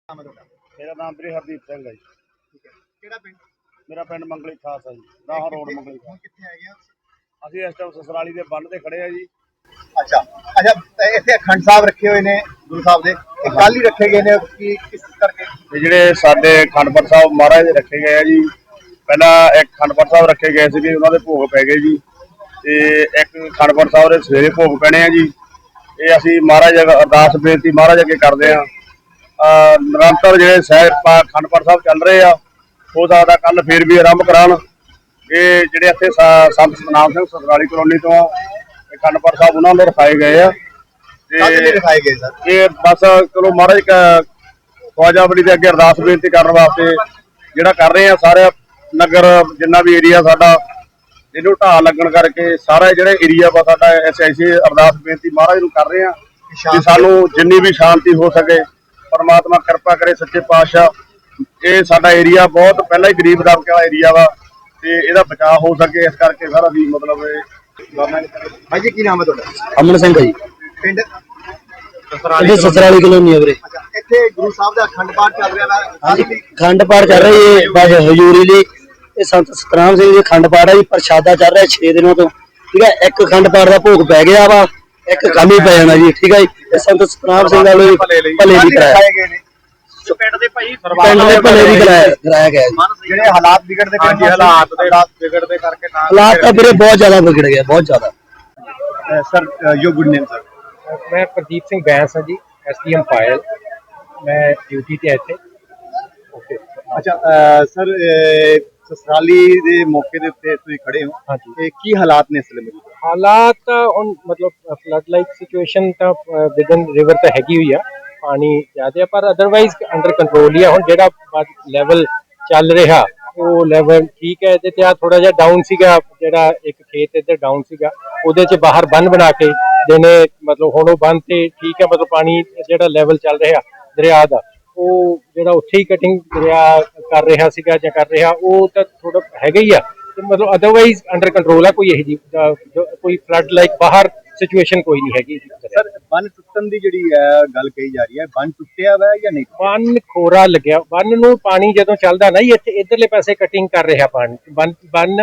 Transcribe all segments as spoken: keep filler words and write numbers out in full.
ਨਾਮ ਹੈ ਤੁਹਾਡਾ? ਮੇਰਾ ਨਾਮ ਵੀਰੇ ਹਰਦੀਪ ਸਿੰਘ ਹੈ ਜੀ। ਠੀਕ ਹੈ, ਕਿਹੜਾ ਪਿੰਡ? ਮੇਰਾ ਪਿੰਡ ਮੰਗਲੀ ਖਾਸ ਹੈ ਜੀ, ਦਾਹਾ ਰੋਡ ਮੰਗਲੀ ਹੁਣ ਖਾਸ। ਕਿੱਥੇ ਹੈਗੇ ਆ? ਅਸੀਂ ਇਸ ਟਾਈਮ ਸਸਰਾਲੀ ਦੇ ਬੰਨ ਤੇ ਖੜੇ ਆ ਜੀ। ਅੱਛਾ ਅੱਛਾ, ਤੇ ਇੱਥੇ ਅਖੰਡ ਸਾਹਿਬ ਰੱਖੇ ਹੋਏ ਨੇ ਗੁਰੂ ਸਾਹਿਬ ਦੇ, ਇਹ ਕੱਲ ਹੀ ਰੱਖੇ ਗਏ ਨੇ ਕਿ ਕਿਸ ਕਰਕੇ? ਤੇ ਜਿਹੜੇ ਸਾਡੇ ਖੰਡਪੜ ਸਾਹਿਬ ਮਹਾਰਾਜ ਦੇ ਰੱਖੇ ਗਏ ਆ ਜੀ, ਪਹਿਲਾਂ ਇੱਕ ਖੰਡਪੜ ਸਾਹਿਬ ਰੱਖੇ ਗਏ ਸੀਗੇ, ਉਹਨਾਂ ਦੇ ਭੋਗ ਪੈ ਗਏ ਜੀ, ਤੇ ਇੱਕ ਖੰਡਪੜ ਸਾਹਿਬ ਦੇ ਸਵੇਰੇ ਭੋਗ ਪੈਣੇ ਆ ਜੀ। ਇਹ ਅਸੀਂ ਮਹਾਰਾਜ ਅੱਗੇ ਅਰਦਾਸ ਬੇਨਤੀ ਮਹਾਰਾਜ ਅੱਗੇ ਕਰਦੇ ਆ। ਨਿਰੰਤਰ ਜਿਹੜੇ ਸਹਿਬ ਖੰਡਪੜ ਸਾਹਿਬ ਚੱਲ ਰਹੇ ਆ, ਹੋ ਸਕਦਾ ਕੱਲ ਫੇਰ ਵੀ ਆਰੰਭ ਕਰਾਉਣ। ਇਹ ਜਿਹੜੇ ਇੱਥੇ ਸੰਤ ਸਤਨਾਮ ਸਿੰਘ ਸਸਰਾਲੀ ਕਲੋਨੀ ਤੋਂ ਆ, ਖੰਡਪੜ ਸਾਹਿਬ ਉਹਨਾਂ ਨੂੰ ਰਖਾਏ ਗਏ ਆ। ਤੇ ਰਖਾਏ ਗਏ ਸਰ, ਇਹ ਬਸ ਚਲੋ ਮਹਾਰਾਜ ਖਵਾਜਾ ਬਲੀ ਦੇ ਅੱਗੇ ਅਰਦਾਸ ਬੇਨਤੀ ਕਰਨ ਵਾਸਤੇ ਜਿਹੜਾ ਕਰ ਰਹੇ ਆ। ਸਾਰੇ ਨਗਰ ਜਿੰਨਾ ਵੀ ਏਰੀਆ ਸਾਡਾ, ਇਹਨੂੰ ਢਾਹ ਲੱਗਣ ਕਰਕੇ ਸਾਰਾ ਜਿਹੜਾ ਏਰੀਆ ਵਾ ਸਾਡਾ ਐਸੇ ਐਸੀ ਅਰਦਾਸ ਬੇਨਤੀ ਮਹਾਰਾਜ ਨੂੰ ਕਰ ਰਹੇ ਆ ਕਿ ਸਾਨੂੰ ਜਿੰਨੀ ਵੀ ਸ਼ਾਂਤੀ ਹੋ ਸਕੇ ਪਰਮਾਤਮਾ ਕਿਰਪਾ ਕਰੇ ਸੱਚੇ ਪਾਤਸ਼ਾਹ। ਇਹ ਸਾਡਾ ਏਰੀਆ ਬਹੁਤ ਪਹਿਲਾਂ ਹੀ ਗਰੀਬ ਦਬਕੇ ਵਾਲਾ ਏਰੀਆ ਵਾ, ਤੇ ਇਹਦਾ ਬਚਾਅ ਹੋ ਸਕੇ ਇਸ ਕਰਕੇ ਸਾਰਾ ਵੀ ਮਤਲਬ ਭਾਈ ਜੀ ਕੀ ਨਾਮ ਹੈ ਤੁਹਾਡਾ? ਅਮਨ ਸਿੰਘ ਜੀ, ਪਿੰਡ ਇਹ ਸਸਰਾਲੀ ਕਲੋਨੀ ਹੈ ਵੀਰੇ। ਅੱਛਾ, ਇੱਥੇ ਗੁਰੂ ਸਾਹਿਬ ਦਾ ਅਖੰਡ ਪਾਠ ਚੱਲ ਰਿਹਾ ਵਾ? ਹਾਂਜੀ, ਖੰਡ ਪਾਠ ਚੱਲ ਰਹੀ ਹੈ ਬਸ ਹਜ਼ੂਰੀ ਲਈ। ਇਹ ਸੰਤ ਸਤਨਾਮ ਸਿੰਘ ਜੀ ਖੰਡ ਪਾਠ ਹੈ ਜੀ, ਪ੍ਰਸ਼ਾਦਾ ਚੱਲ ਰਿਹਾ ਛੇ ਦਿਨਾਂ ਤੋਂ। ਠੀਕ ਹੈ, ਇੱਕ ਖੰਡ ਪਾਠ ਦਾ ਭੋਗ ਪੈ ਗਿਆ ਵਾ, ਇੱਕ ਕੱਲ ਹੀ ਪੈ ਜਾਣਾ ਜੀ। ਠੀਕ ਹੈ ਜੀ, ਇਹ ਸੰਤ ਸਤਨਾਮ ਸਿੰਘ ਵਾਲੇ ਭਲੇ ਲਈ ਕਰਾਇਆ ਗਏ ਨੇ, ਪਿੰਡ ਦੇ ਭਾਈ ਪਿੰਡ ਦੇ ਭਲੇ ਲਈ ਕਰਾਇਆ ਕਰਾਇਆ ਗਿਆ ਜੀ। ਜਿਹੜੇ ਹਾਲਾਤ ਵਿਗੜਦੇ ਪਏ ਨੇ, ਹਾਲਾਤ ਦੇ ਵਿਗੜਦੇ ਕਰਕੇ ਨਾ ਹਾਲਾਤ ਤਾਂ ਵੀਰੇ ਬਹੁਤ ਜ਼ਿਆਦਾ ਵਿਗੜ ਗਿਆ, ਬਹੁਤ ਜ਼ਿਆਦਾ। Sir your good name sir? मैं प्रदीप सिंह बैंस हाँ जी, एस डी एम फाइल। मैं ड्यूटी ਤੇ ਇੱਥੇ। ਓਕੇ ਅੱਛਾ ਸਰ, ਸਸਰਾਲੀ ਦੇ ਮੌਕੇ ਦੇ ਉੱਤੇ ਤੁਸੀਂ ਖੜੇ ਹੋ, ਹਾਂਜੀ। ਤੇ ਕੀ ਹਾਲਾਤ ਨੇ ਇਸ ਵੇਲੇ? ਹਾਲਾਤ ਤਾਂ ਹੁਣ ਮਤਲਬ ਫਲੱਡ ਲਾਈਕ ਸਿਚੁਏਸ਼ਨ ਤਾਂ ਵਿਦਨ ਰਿਵਰ ਤਾਂ ਹੈਗੀ ਹੋਈ ਆ, ਪਾਣੀ ਜ਼ਿਆਦਾ, ਪਰ ਅਦਰਵਾਈਜ਼ ਅੰਡਰ ਕੰਟਰੋਲ ਹੀ ਆ। ਹੁਣ ਜਿਹੜਾ ਲੈਵਲ ਚੱਲ ਰਿਹਾ ਉਹ ਲੈਵਲ ਠੀਕ ਹੈ। ਇਹਦੇ ਤੇ ਆ ਥੋੜਾ ਜਿਹਾ ਡਾਊਨ ਸੀਗਾ, ਜਿਹੜਾ ਇੱਕ ਖੇਤ ਇੱਧਰ ਡਾਊਨ ਸੀਗਾ, ਉਹਦੇ 'ਚ ਬਾਹਰ ਬੰਨ ਬਣਾ ਕੇ ਦੇਣੇ, ਮਤਲਬ ਹੁਣ ਉਹ ਬੰਨ ਤੇ ਠੀਕ ਹੈ। ਮਤਲਬ ਪਾਣੀ ਜਿਹੜਾ ਲੈਵਲ ਚੱਲ ਰਿਹਾ ਦਰਿਆ ਦਾ, ਉਹ ਜਿਹੜਾ ਉੱਥੇ ਹੀ ਕਟਿੰਗ ਦਰਿਆ ਕਰ ਰਿਹਾ ਸੀਗਾ ਜਾਂ ਕਰ ਰਿਹਾ, ਉਹ ਤਾਂ ਥੋੜਾ ਹੈਗਾ ਹੀ ਆ। ਤੇ ਮਤਲਬ ਅਦਰਵਾਈਜ਼ ਅੰਡਰ ਕੰਟਰੋਲ ਆ, ਕੋਈ ਇਹੋ ਜਿਹੀ ਕੋਈ ਫਲੱਡ ਲਾਈਕ ਬਾਹਰ ਸਿਚੁਏਸ਼ਨ ਕੋਈ ਨਹੀਂ ਹੈਗੀ। ਸਰ ਬੰਨ ਟੁੱਟਣ ਦੀ ਜਿਹੜੀ ਹੈ ਗੱਲ ਕਹੀ ਜਾ ਰਹੀ ਹੈ, ਬੰਨ ਟੁੱਟਿਆ ਵਾ ਜਾਂ ਨਹੀਂ? ਬੰਨ ਖੋਰਾ ਲੱਗਿਆ, ਬੰਨ ਨੂੰ ਪਾਣੀ ਜਦੋਂ ਚੱਲਦਾ ਨਾ, ਇੱਥੇ ਇਧਰਲੇ ਪਾਸੇ ਕਟਿੰਗ ਕਰ ਰਿਹਾ ਪਾਣੀ, ਬੰਨ ਬੰਨ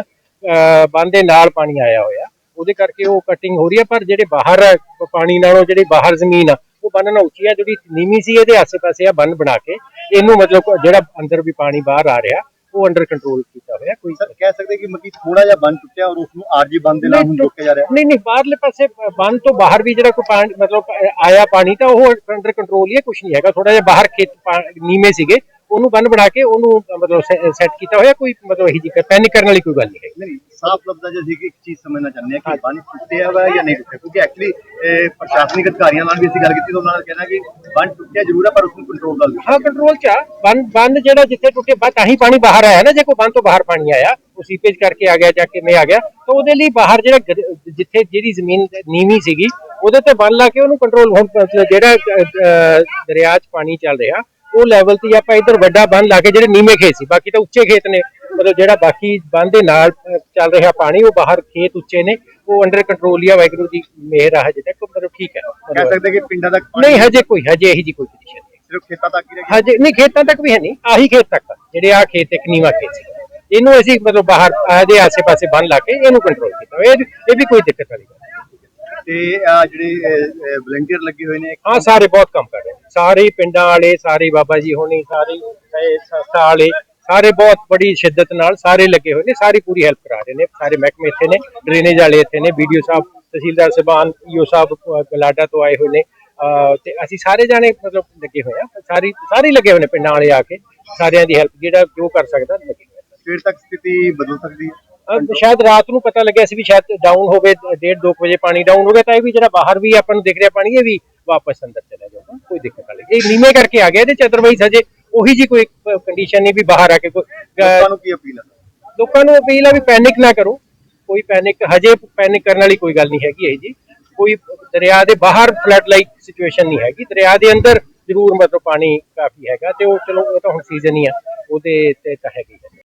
ਬੰਨ ਦੇ ਨਾਲ ਪਾਣੀ ਆਇਆ ਹੋਇਆ, ਉਹਦੇ ਕਰਕੇ ਉਹ ਕਟਿੰਗ ਹੋ ਰਹੀ ਹੈ। ਪਰ ਜਿਹੜੇ ਬਾਹਰ ਪਾਣੀ ਨਾਲੋਂ ਜਿਹੜੀ ਬਾਹਰ ਜ਼ਮੀਨ ਆ, ਉਹ ਬੰਨ ਨਾਲ ਉੱਚੀ ਆ। ਜਿਹੜੀ ਨੀਵੀਂ ਸੀ ਇਹਦੇ ਆਸੇ ਪਾਸੇ ਆ ਬੰਨ ਬਣਾ ਕੇ ਇਹਨੂੰ ਮਤਲਬ ਜਿਹੜਾ ਅੰਦਰ ਵੀ ਪਾਣੀ ਬਾਹਰ ਆ ਰਿਹਾ ਉਹ ਅੰਡਰ ਕੰਟਰੋਲ ਕੀਤਾ ਹੋਇਆ। ਕੋਈ ਸਰ ਕਹਿ ਸਕਦੇ ਕਿ ਮੱਕੀ ਥੋੜਾ ਜਿਹਾ ਬੰਨ ਟੁੱਟਿਆ ਔਰ ਉਸ ਨੂੰ ਆਰਜੀ ਬੰਨ ਦੇ ਨਾਲ ਹੁਣ ਰੋਕਿਆ ਜਾ ਰਿਹਾ? ਨਹੀਂ ਨਹੀਂ, ਬਾਹਰਲੇ ਪਾਸੇ ਬੰਨ ਤੋਂ ਬਾਹਰ ਵੀ ਜਿਹੜਾ ਕੋਈ ਪਾਣੀ ਮਤਲਬ ਆਇਆ ਪਾਣੀ, ਤਾਂ ਉਹ ਅੰਡਰ ਕੰਟਰੋਲ ਹੀ ਹੈ, ਕੁਝ ਨਹੀਂ ਹੈਗਾ। ਥੋੜਾ ਜਿਹਾ ਬਾਹਰ ਖੇਤ ਨੀਵੇਂ ਸੀਗੇ, ਉਹਨੂੰ ਬੰਨ ਬਣਾ ਕੇ ਉਹਨੂੰ ਮਤਲਬ ਸੈੱਟ ਕੀਤਾ ਹੋਇਆ। ਕੋਈ ਮਤਲਬ ਇਹੀ ਜੀ ਪੈਨਿਕ ਕਰਨ ਵਾਲੀ ਕੋਈ ਗੱਲ ਨਹੀਂ ਹੈ। ਨਹੀਂ, ਸਾਫ਼ ਲਫ਼ਜ਼ਾਂ 'ਚ ਅਸੀਂ ਇੱਕ ਚੀਜ਼ ਸਮਝਣਾ ਚਾਹੁੰਦੇ ਹਾਂ ਕਿ ਬੰਨ ਟੁੱਟਿਆ ਵਾ ਜਾਂ ਨਹੀਂ ਟੁੱਟਿਆ, ਕਿਉਂਕਿ ਐਕਚੁਅਲੀ ਪ੍ਰਸ਼ਾਸਨਿਕ ਅਧਿਕਾਰੀਆਂ ਨਾਲ ਵੀ ਅਸੀਂ ਗੱਲ ਕੀਤੀ ਤਾਂ ਉਹਨਾਂ ਨੇ ਕਹਿਣਾ ਕਿ ਬੰਨ ਟੁੱਟਿਆ ਜ਼ਰੂਰ ਹੈ, ਪਰ ਉਸ ਨੂੰ ਕੰਟਰੋਲ ਕਰ ਲਿਆ। ਹਾਂ, ਕੰਟਰੋਲ 'ਚ ਆ ਬੰਨ। ਬੰਨ ਜਿਹੜਾ ਜਿੱਥੇ ਟੁੱਟੇ ਤਾਂ ਹੀ ਪਾਣੀ ਬਾਹਰ ਆਇਆ ਨਾ। ਜੇ ਕੋਈ ਬੰਨ ਤੋਂ ਬਾਹਰ ਪਾਣੀ ਆਇਆ, ਉਹ ਸੀਪੇਜ ਕਰਕੇ ਆ ਗਿਆ ਜਾਂ ਕਿਵੇਂ ਆ ਗਿਆ, ਤਾਂ ਉਹਦੇ ਲਈ ਬਾਹਰ ਜਿਹੜਾ ਜਿੱਥੇ ਜਿਹੜੀ ਜ਼ਮੀਨ ਨੀਵੀਂ ਸੀਗੀ ਉਹਦੇ ਤੇ ਬੰਨ ਲਾ ਕੇ ਉਹਨੂੰ ਕੰਟਰੋਲ। ਹੁਣ ਜਿਹੜਾ ਦਰਿਆ 'ਚ ਪਾਣੀ ਚੱਲ ਰਿਹਾ ਉਹ ਲੈਵਲ ਤੇ ਆਪਾਂ ਇੱਧਰ ਵੱਡਾ ਬੰਨ ਲਾ ਕੇ ਜਿਹੜੇ ਨੀਵੇਂ ਖੇਤ ਸੀ, ਬਾਕੀ ਤਾਂ ਉੱਚੇ ਖੇਤ ਨੇ, ਮਤਲਬ ਜਿਹੜਾ ਬਾਕੀ ਬੰਨ ਦੇ ਨਾਲ ਚੱਲ ਰਿਹਾ ਪਾਣੀ, ਉਹ ਬਾਹਰ ਖੇਤ ਉੱਚੇ ਨੇ, ਉਹ ਅੰਡਰ ਕੰਟਰੋਲ ਹੀ ਆ। ਵਾਹਿਗੁਰੂ ਦੀ ਮਿਹਰ ਆ, ਹਜੇ ਤੱਕ ਮਤਲਬ ਠੀਕ ਹੈ। ਕਹਿ ਸਕਦੇ ਕਿ ਪਿੰਡਾਂ ਤੱਕ ਨਹੀਂ, ਹਜੇ ਕੋਈ ਹਜੇ ਇਹੀ ਜੀ ਕੋਈ ਕੰਡੀਸ਼ਨ ਨਹੀਂ, ਸਿਰਫ ਖੇਤਾਂ ਤੱਕ ਹੀ ਰਹਿ ਗਿਆ? ਹਜੇ ਨਹੀਂ, ਖੇਤਾਂ ਤੱਕ ਵੀ ਹੈ ਨਹੀਂ, ਆਹੀ ਖੇਤ ਤੱਕ ਜਿਹੜੇ ਆ ਖੇਤ ਇੱਕ ਨੀਵਾਂ ਖੇਤ ਸੀ, ਇਹਨੂੰ ਅਸੀਂ ਮਤਲਬ ਬਾਹਰ ਇਹਦੇ ਆਸੇ ਪਾਸੇ ਬੰਨ ਲਾ ਕੇ ਇਹਨੂੰ ਕੰਟਰੋਲ ਕੀਤਾ। ਇਹ ਇਹ ਵੀ ਕੋਈ ਦਿੱਕਤ ਵਾਲੀ ਗੱਲ। ਤੇ ਜਿਹੜੇ ਵਲੰਟੀਅਰ ਲੱਗੇ ਹੋਏ ਨੇ? ਹਾਂ, ਸਾਰੇ ਬਹੁਤ ਕੰਮ ਕਰ ਰਹੇ ਨੇ, ਸਾਰੇ ਪਿੰਡਾਂ ਵਾਲੇ, ਸਾਰੇ ਬਾਬਾ ਜੀ ਹੋਣੀ, ਸਾਰੇ ਸੰਸਥਾ ਵਾਲੇ, ਸਾਰੇ ਬਹੁਤ ਬੜੀ ਸ਼ਿੱਦਤ ਨਾਲ ਸਾਰੇ ਲੱਗੇ ਹੋਏ ਨੇ, ਸਾਰੀ ਪੂਰੀ ਹੈਲਪ ਕਰਾ ਰਹੇ ਨੇ। ਸਾਰੇ ਮਹਿਕਮੇ ਇੱਥੇ ਨੇ, ਡਰੇਨੇਜ ਵਾਲੇ ਇੱਥੇ ਨੇ, ਬੀਡੀਓ ਸਾਹਿਬ, ਤਹਿਸੀਲਦਾਰ ਸਾਹਿਬਾਨ, ਈਓ ਸਾਹਿਬ ਗਲਾਡਾ ਤੋਂ ਆਏ ਹੋਏ ਨੇ, ਤੇ ਅਸੀਂ ਸਾਰੇ ਜਾਣੇ ਮਤਲਬ ਲੱਗੇ ਹੋਏ ਆ। ਸਾਰੀ ਸਾਰੇ ਲੱਗੇ ਹੋਏ ਨੇ ਪਿੰਡਾਂ ਵਾਲੇ ਆ ਕੇ, ਸਾਰਿਆਂ ਦੀ ਹੈਲਪ ਜਿਹੜਾ ਜੋ ਕਰ ਸਕਦਾ ਲੱਗੇ ਹੋਏ। ਫਿਰ ਤੱਕ ਸਥਿਤੀ ਬਦਲ ਸਕਦੀ ਹੈ? ਸ਼ਾਇਦ ਰਾਤ ਨੂੰ ਪਤਾ ਲੱਗਿਆ ਸੀ ਵੀ ਸ਼ਾਇਦ ਡਾਊਨ ਹੋਵੇ, ਡੇਢ ਦੋ ਵਜੇ ਪਾਣੀ ਡਾਊਨ ਹੋ ਗਿਆ, ਤਾਂ ਇਹ ਵੀ ਜਿਹੜਾ ਬਾਹਰ ਵੀ ਆਪਾਂ ਨੂੰ ਦਿਖ ਰਿਹਾ ਪਾਣੀ, ਇਹ ਵੀ ਵਾਪਸ ਅੰਦਰ ਚਲਾ ਜਾਊਗਾ, ਕੋਈ ਦਿੱਕਤ ਵਾਲੀ। ਇਹ ਨੀਵੇਂ ਕਰਕੇ ਆ ਗਿਆ ਇਹਦੇ 'ਚ, ਅਦਰਵਾਈਜ਼ ਹਜੇ ਉਹੀ ਜੀ ਕੋਈ ਕੰਡੀਸ਼ਨ ਨਹੀਂ ਵੀ ਬਾਹਰ ਆ ਕੇ ਕੋਈ। ਲੋਕਾਂ ਨੂੰ ਕੀ ਅਪੀਲ ਹੈ? ਲੋਕਾਂ ਨੂੰ ਅਪੀਲ ਆ ਵੀ ਪੈਨਿਕ ਨਾ ਕਰੋ, ਕੋਈ ਪੈਨਿਕ ਹਜੇ ਪੈਨਿਕ ਕਰਨ ਵਾਲੀ ਕੋਈ ਗੱਲ ਨਹੀਂ ਹੈਗੀ। ਇਹ ਜੀ ਕੋਈ ਦਰਿਆ ਦੇ ਬਾਹਰ ਫਲੱਡ ਲਾਈਕ ਸਿਚੁਏਸ਼ਨ ਨਹੀਂ ਹੈਗੀ, ਦਰਿਆ ਦੇ ਅੰਦਰ ਜ਼ਰੂਰ ਮਤਲਬ ਪਾਣੀ ਕਾਫੀ ਹੈਗਾ, ਤੇ ਉਹ ਚਲੋ ਉਹ ਤਾਂ ਹੁਣ ਸੀਜ਼ਨ ਹੀ ਆ, ਉਹਦੇ ਤੇ ਤਾਂ ਹੈਗੀ।